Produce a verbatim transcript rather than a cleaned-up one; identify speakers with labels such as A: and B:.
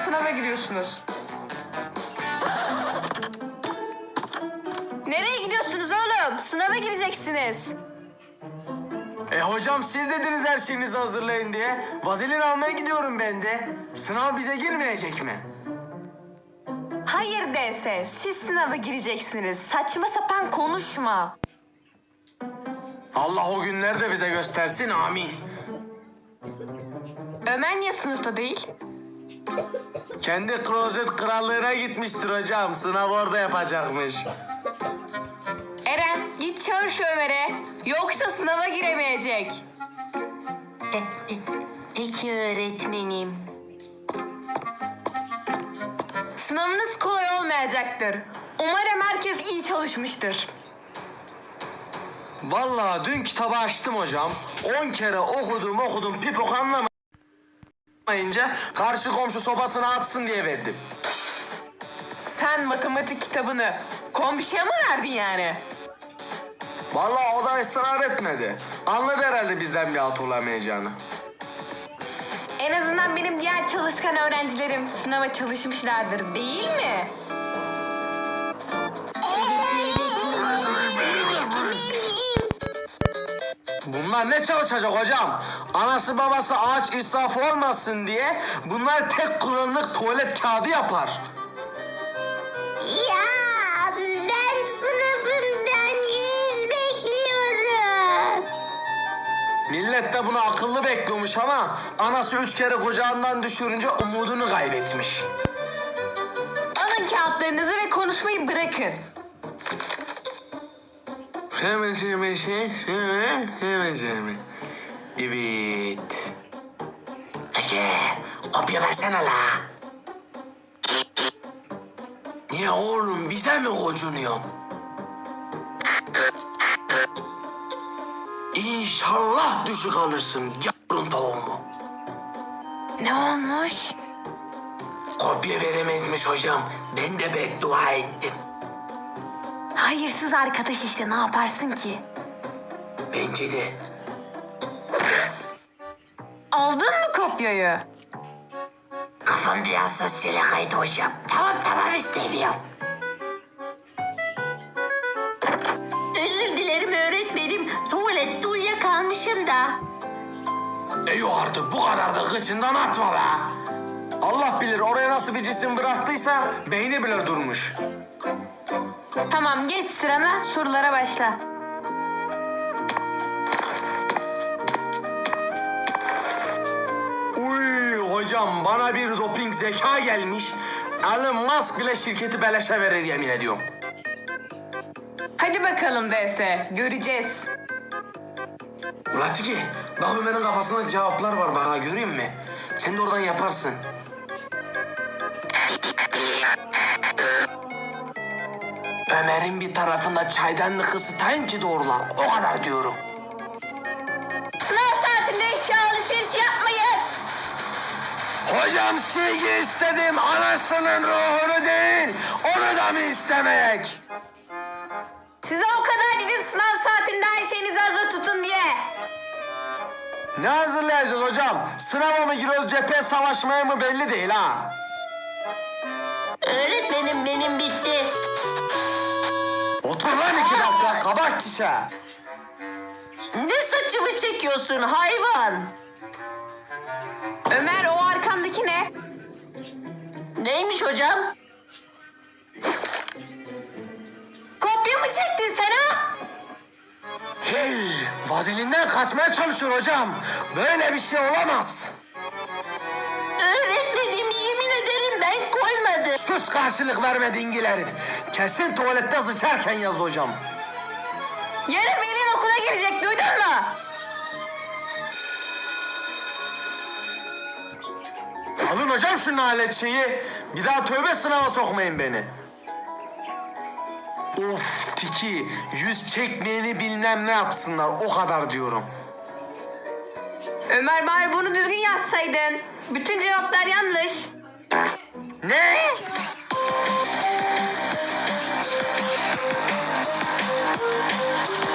A: sınava giriyorsunuz. Nereye gidiyorsunuz oğlum? Sınava gireceksiniz.
B: E hocam siz dediniz her şeyinizi hazırlayın diye. Vazelin almaya gidiyorum ben de. Sınav bize girmeyecek mi?
A: Hayır D S, siz sınava gireceksiniz. Saçma sapan konuşma.
B: Allah o günleri de bize göstersin, amin.
A: Ömer niye sınıfta değil?
B: Kendi klozet krallığına gitmiştir hocam. Sınav orada yapacakmış.
A: Eren, git çağır şu Ömer'e. Yoksa sınava giremeyecek.
C: Peki öğretmenim.
A: Sınavınız kolay olmayacaktır. Umarım herkes iyi çalışmıştır.
B: Vallahi dün kitabı açtım hocam. On kere okudum okudum pipok anlamayınca karşı komşu sobasına atsın diye verdim.
A: Sen matematik kitabını komşuya mı verdin yani?
B: Vallahi o da ısrar etmedi. Anladı herhalde bizden bir alt olamayacağını.
A: En azından benim diğer çalışkan öğrencilerim sınava çalışmışlardır, değil mi?
B: Bunlar ne çalışacak hocam? Anası babası ağaç israfı olmasın diye bunlar tek kullanımlık tuvalet kağıdı yapar.
C: Ya ben sınıfımdan yüz bekliyorum.
B: Millet de bunu akıllı bekliyormuş ama anası üç kere kucağından düşürünce umudunu kaybetmiş.
A: Alın kağıtlarınızı ve konuşmayı bırakın.
B: Hemen hemen şey, hemen hemen hemen. Evet. Peki, kopya versene la. Niye oğlum bize mi gocunuyorsun? İnşallah düşük alırsın yavrun tavuğumu.
A: Ne olmuş?
B: Kopya veremezmiş hocam. Ben de beddua ettim.
A: Hayırsız arkadaş işte, ne yaparsın ki?
B: Bence de.
A: Aldın mı kopyayı?
C: Kafam biraz sosyale kaydı hocam. Tamam tamam istemiyorum. Özür dilerim öğretmenim. Tuvalette uyuyakalmışım da.
B: E yok artık bu kadar da kıçından atma be. Allah bilir oraya nasıl bir cisim bıraktıysa beyni bile durmuş.
A: Tamam, geç sırana, sorulara başla.
B: Uy hocam bana bir doping zeka gelmiş. Elon Musk bile şirketi beleşe verir yemin ediyorum.
A: Hadi bakalım D S, göreceğiz.
B: Ulan Tiki bak Ömer'in kafasında cevaplar var bak ha göreyim mi? Sen de oradan yaparsın. Ömer'in bir tarafında çaydanlık ısıtayım ki doğrular. O kadar diyorum.
A: Sınav saatinde eşya alışverişi yapmayın.
B: Hocam sevgi istedim anasının ruhunu değil. Onu da mı istemek?
A: Size o kadar dedim sınav saatinde her şeyinizi hazır tutun diye.
B: Ne hazırlayacağız hocam? Sınava mı giriyoruz cephe savaşmaya mı belli değil ha.
C: Öğretmenim benim bitti.
B: Otur lan iki dakika kabak çişe.
C: Ne saçımı çekiyorsun hayvan?
A: Ömer, o arkandaki ne?
C: Neymiş hocam?
A: Kopya mı çektin sen ha?
B: Hey, vazelinden kaçmaya çalışıyor hocam. Böyle bir şey olamaz.
C: Öğretmenim yemin ederim ben koymadım.
B: Sus karşılık verme dingil herif. Kesin tuvalette sıçarken yazdı hocam.
A: Yarın Velin okula girecek, duydun mu?
B: Alın hocam şu nalet şeyi. Bir daha tövbe sınava sokmayın beni. Of Tiki, yüz çekmeyeni bilmem ne yapsınlar o kadar diyorum.
A: Ömer, bari bunu düzgün yazsaydın. Bütün cevaplar yanlış.
B: Ne?